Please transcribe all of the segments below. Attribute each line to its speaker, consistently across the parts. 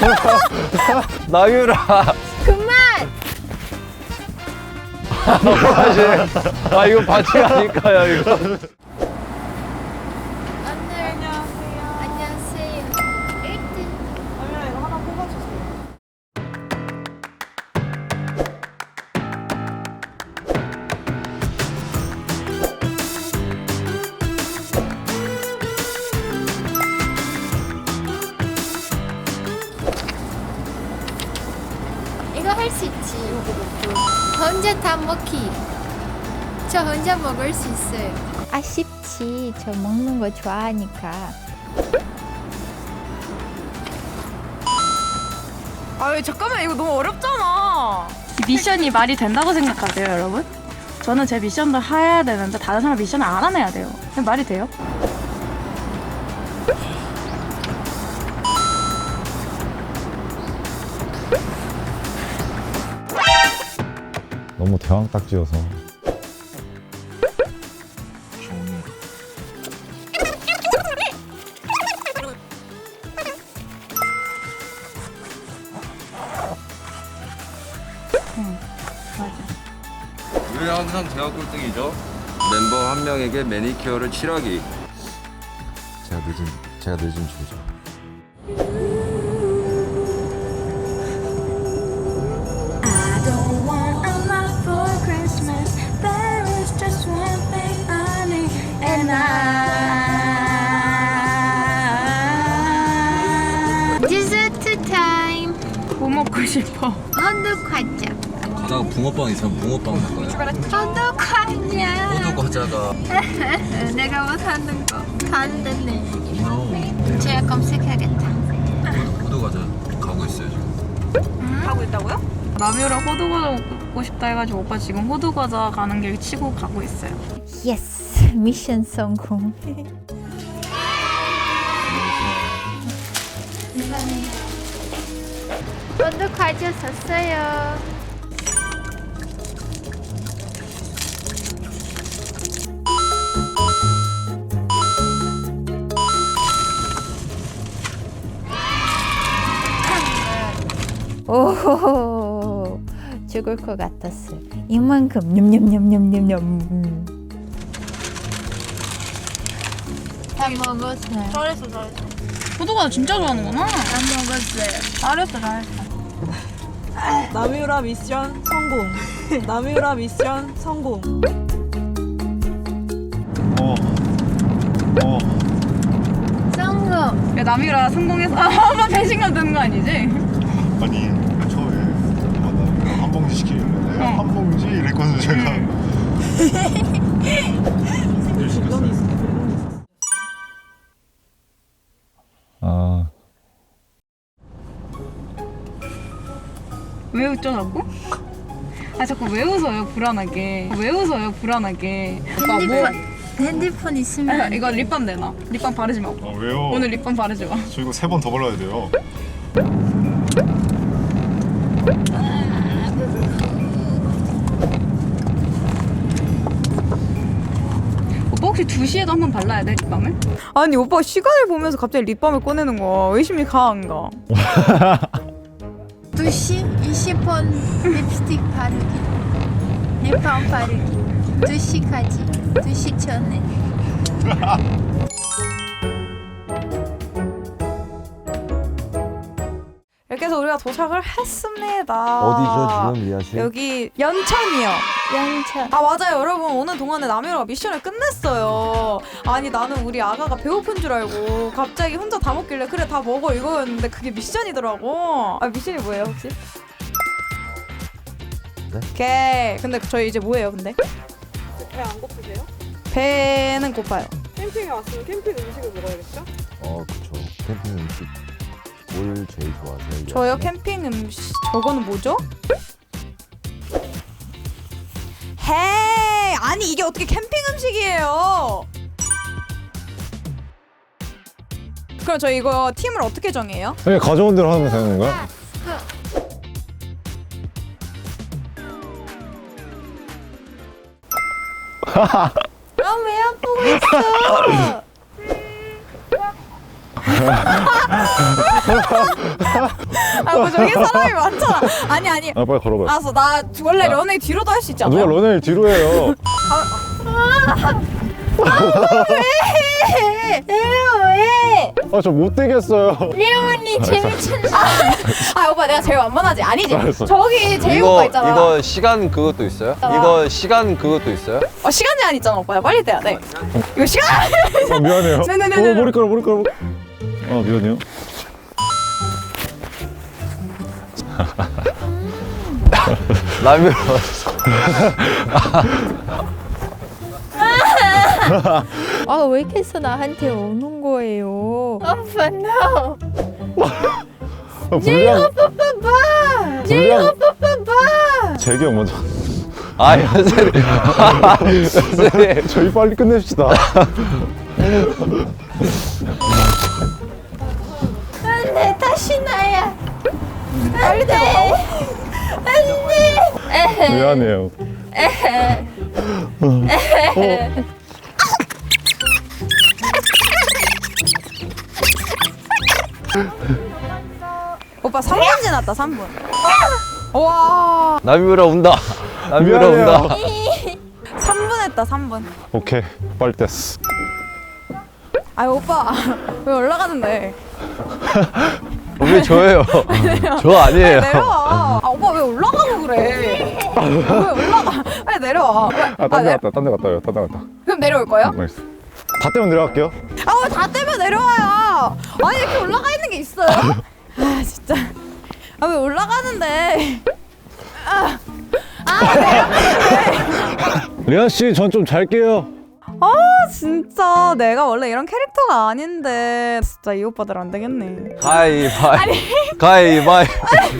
Speaker 1: 나유라.
Speaker 2: 그만!
Speaker 1: 아, 이거 반칙 아닐까요, 이거?
Speaker 2: 오늘 안녕하세요. 1등.
Speaker 3: 얼른 이거 하나 뽑아주세요.
Speaker 2: 이거 할 수 있지. 혼자 다 먹기. 저 혼자 먹을 수 있어요. 아쉽지. 저 먹는 거 좋아하니까.
Speaker 3: 아유 잠깐만 이거 너무 어렵잖아.
Speaker 4: 미션이 말이 된다고 생각하세요, 여러분? 저는 제 미션도 해야 되는데 다른 사람 미션을 안 해야 돼요. 말이 돼요?
Speaker 1: 너무 대왕 딱지여서.
Speaker 5: 왜 항상 제가 꼴등이죠? 멤버 한 명에게 매니큐어를 칠하기. 제가 늦은 주죠.
Speaker 6: I don't want a lot for Christmas. There is just one thing I need, and
Speaker 2: 디저트 타임.
Speaker 4: 뭐 먹고 싶어?
Speaker 2: 헌덕 과자.
Speaker 5: 가다가 붕어빵 있으면 붕어빵 먹어요.
Speaker 2: 헌덕 과자.
Speaker 5: 호두 과자가
Speaker 2: 내가 못하는 거. 다 됐네. 제가 검색하겠다.
Speaker 5: 호두 과자 가고 있어요 지금.
Speaker 3: 하고 있다고요?
Speaker 4: 남유라 호두과자 먹고 싶다 해가지고 오빠 지금 호두과자 가는 길 치고 가고 있어요.
Speaker 2: 예스. 미션 성공. 헌덕 과자 샀어요. 오, 죽을 것 같았어요. 이만큼 냠냠냠냠냠냠. 다 먹었어요.
Speaker 3: 잘했어.
Speaker 4: 호두과자 진짜 좋아하는구나.
Speaker 2: 다 먹었어요.
Speaker 4: 잘했어, 잘했어.
Speaker 3: 남유라 미션 성공. 남유라 미션 성공.
Speaker 2: 성공.
Speaker 4: 야, 남유라 성공해서 한번 배신감 드는 거 아니지?
Speaker 7: 아니 처음에 한 봉지 시키길래 한 봉지 이랬거든요 제가.
Speaker 1: 아,
Speaker 4: 왜 웃죠, 자꾸? 아, 자꾸 왜 웃어요, 불안하게. 왜 웃어요, 불안하게. 오빠 뭐?
Speaker 2: 핸드폰 있으면
Speaker 4: 아, 이거 립밤 내놔. 립밤 바르지 마.
Speaker 7: 아 왜요?
Speaker 4: 오늘 립밤 바르지 마.
Speaker 7: 저 이거 3번 더 발라야 돼요.
Speaker 4: 오빠 혹시 2시에도 한 번 발라야 돼, 립밤을?
Speaker 3: 아니 오빠 시간을 보면서 갑자기 립밤을 꺼내는 거야. 의심이 강한가?
Speaker 2: 2시 20분 립스틱 바르기. 립밤 바르기. 2시까지. 2시 전에.
Speaker 3: 이렇게 해서 우리가 도착을 했습니다.
Speaker 1: 어디죠, 지금 리아 씨?
Speaker 3: 여기 연천이요.
Speaker 2: 양차.
Speaker 3: 아 맞아요 여러분, 오는 동안에 남유라가 미션을 끝냈어요. 아니 나는 우리 아가가 배고픈 줄 알고 갑자기 혼자 다 먹길래 그래 다 먹어 이거였는데 그게 미션이더라고. 아 미션이 뭐예요 혹시?
Speaker 1: 네?
Speaker 3: 오케이. 근데 저희 이제 뭐예요 근데?
Speaker 8: 배 안 고프세요?
Speaker 3: 배는 고파요.
Speaker 8: 캠핑에 왔으면 캠핑 음식을 먹어야겠죠?
Speaker 1: 그쵸. 캠핑 음식 뭘 제일 좋아하세요?
Speaker 3: 저요 캠핑 음식 저거는 뭐죠? 헤이 아니 이게 어떻게 캠핑 음식이에요? 그럼 저 이거 팀을 어떻게 정해요?
Speaker 1: 그냥 가져온 대로 하면 되는 건가요?
Speaker 2: 왜 안 보고 있어?
Speaker 3: 있냐고. 저기 사람이 많잖아. 아니
Speaker 7: 아 빨리 걸어봐요.
Speaker 3: 알았어. 나 원래 런웨이 뒤로도 할 수 있지
Speaker 7: 누가
Speaker 3: 않아요?
Speaker 7: 런웨이 뒤로 해요.
Speaker 2: 왜?
Speaker 7: 아 저 못 되겠어요.
Speaker 2: 레온이 재밌잖아.
Speaker 3: 아 오빠 내가 제일 완만하지? 아니지?
Speaker 7: 알았어.
Speaker 3: 저기 제일 오빠 있잖아.
Speaker 5: 이거 시간 그것도 있어요? 이거 시간 그것도 있어요?
Speaker 3: 시간 제한 있잖아 오빠. 빨리 떼야 돼. 이거 시간.
Speaker 7: 아 미안해요.
Speaker 3: 네네네네.
Speaker 7: 머리카락. 아 미안해요.
Speaker 5: 라면.
Speaker 2: 아, 왜 이렇게 해서 나한테 오는 거예요? 오빠, no.
Speaker 7: 불량.
Speaker 2: 봐봐.
Speaker 7: 불량.
Speaker 2: 봐봐.
Speaker 7: 재경 먼저.
Speaker 5: 아 선생님. 선생님.
Speaker 7: 저희 빨리 끝냅시다.
Speaker 2: 안돼, 다시 나야.
Speaker 3: 빨리 떼라고?
Speaker 2: 안돼.
Speaker 7: 미안해요.
Speaker 3: 오빠 3분 지났다 3분. 와
Speaker 5: 남유라 운다. 남유라
Speaker 7: 미안해요.
Speaker 5: 운다.
Speaker 3: 3분 했다 3분.
Speaker 7: 오케이 빨리 뗐어.
Speaker 3: 아유 오빠 왜 올라가는데?
Speaker 5: 왜 저예요? 저 아니에요.
Speaker 3: 내려와. 아 오빠 왜 올라가고 그래? 왜 올라가? 빨리 내려와.
Speaker 7: 딴 데 갔다.
Speaker 3: 그럼 내려올 거예요?
Speaker 7: 알겠어. 다 떼면 내려갈게요.
Speaker 3: 다 떼면 내려와요. 아니 이렇게 올라가 있는 게 있어요? 아 진짜. 아 왜 올라가는데?
Speaker 7: 리안 씨, 전 좀 잘게요.
Speaker 3: 아 진짜 내가 원래 이런 캐릭터가 아닌데 진짜 이 오빠들 안 되겠네.
Speaker 5: 가위바위.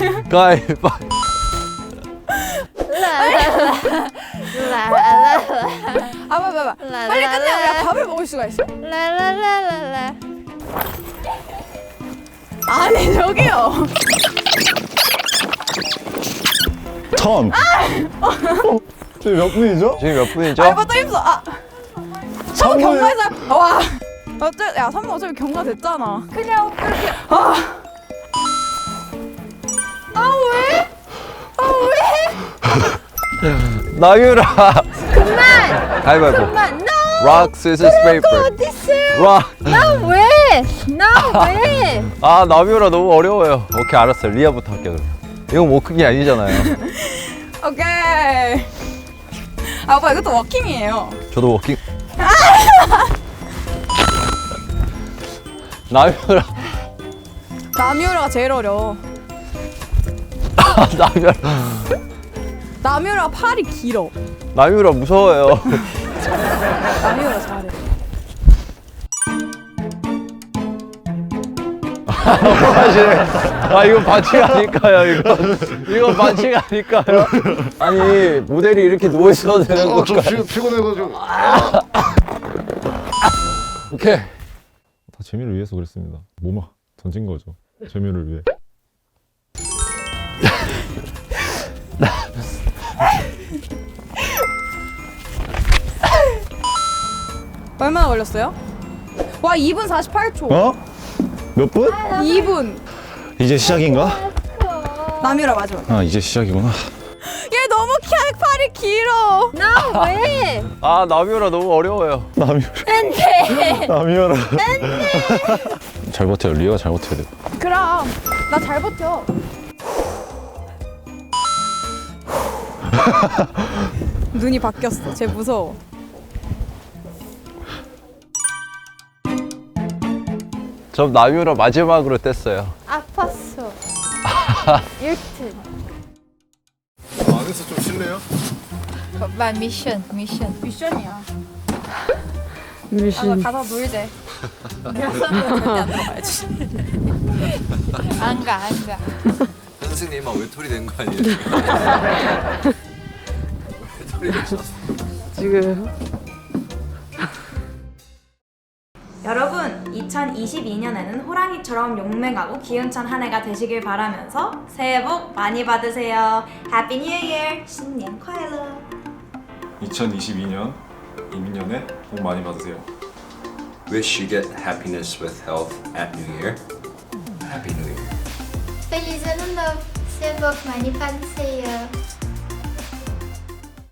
Speaker 3: 아 봐봐. 빨리 끝내. 우리가 밥을 먹을 수가 있어.
Speaker 2: 라라라라라.
Speaker 3: 아니 저기요.
Speaker 7: 천. 지금 몇 분이죠?
Speaker 5: 지금 몇 분이죠?
Speaker 3: 아 오빠 또 힘써. 선우
Speaker 7: 3분이요?
Speaker 3: 경과에서 와. 야 선우 어차피 경과 됐잖아. 그냥 오빠 이렇게.
Speaker 5: 남유라.
Speaker 2: 그만.
Speaker 5: 가위바위보.
Speaker 2: 그만. No.
Speaker 5: Rock, scissors, paper.
Speaker 2: 어딨어?
Speaker 5: Rock.
Speaker 2: 나 왜? 나 왜?
Speaker 5: 아 남유라 너무 어려워요. 오케이 알았어요. 리아부터 할게요. 그럼. 이거 뭐 크기 아니잖아요.
Speaker 3: 오케이. 아 오빠 이것도 워킹이에요.
Speaker 5: 저도 워킹. 남유라.
Speaker 3: 남유라가 제일 어려워.
Speaker 5: 남유라.
Speaker 3: 남유라 팔이 길어.
Speaker 5: 남유라 무서워요.
Speaker 3: 남유라 잘해.
Speaker 5: 아 이거 반칙 아닐까요? 이거 반칙 아닐까요? 아니 모델이 이렇게 누워 있어도 되는
Speaker 7: 좀
Speaker 5: 건가요?
Speaker 7: 피곤해가지고.
Speaker 5: 오케이.
Speaker 1: 다 재미를 위해서 그랬습니다. 몸을 던진 거죠. 재미를 위해.
Speaker 3: 얼마나 걸렸어요? 와 2분 48초.
Speaker 7: 어? 몇 분?
Speaker 3: 2분.
Speaker 7: 이제 시작인가?
Speaker 3: 남유라 맞아.
Speaker 7: 아 이제 시작이구나.
Speaker 3: 얘 너무 팔이 길어.
Speaker 2: 나 왜?
Speaker 5: 아 남유라 너무 어려워요.
Speaker 7: 남이어라. 잘 버텨요. 리아가 잘 버텨야 돼.
Speaker 3: 그럼 나 잘 버텨. 눈이 바뀌었어. 쟤 무서워.
Speaker 5: 전 남유라 마지막으로 뗐어요.
Speaker 2: 아팠어. 1등.
Speaker 7: 안에서 좀 쉴래요?
Speaker 2: 오빠 미션.
Speaker 3: 미션이야. 미션. 가서 놀재.
Speaker 2: 안 가.
Speaker 5: 선생님만 외톨이 된 거 아니에요? 외톨이 되셨어.
Speaker 9: 여러분, 2022년에는 호랑이처럼 용맹하고 기운찬 한 해가 되시길 바라면서 새해 복 많이 받으세요. 해피 뉴 이어! 신년 快乐!
Speaker 1: 2022년 이민년에 복 많이 받으세요.
Speaker 5: Wish you get happiness with health at New Year. Happy New Year.
Speaker 2: Feliz Ano Novo. 새해 복 많이 받으세요.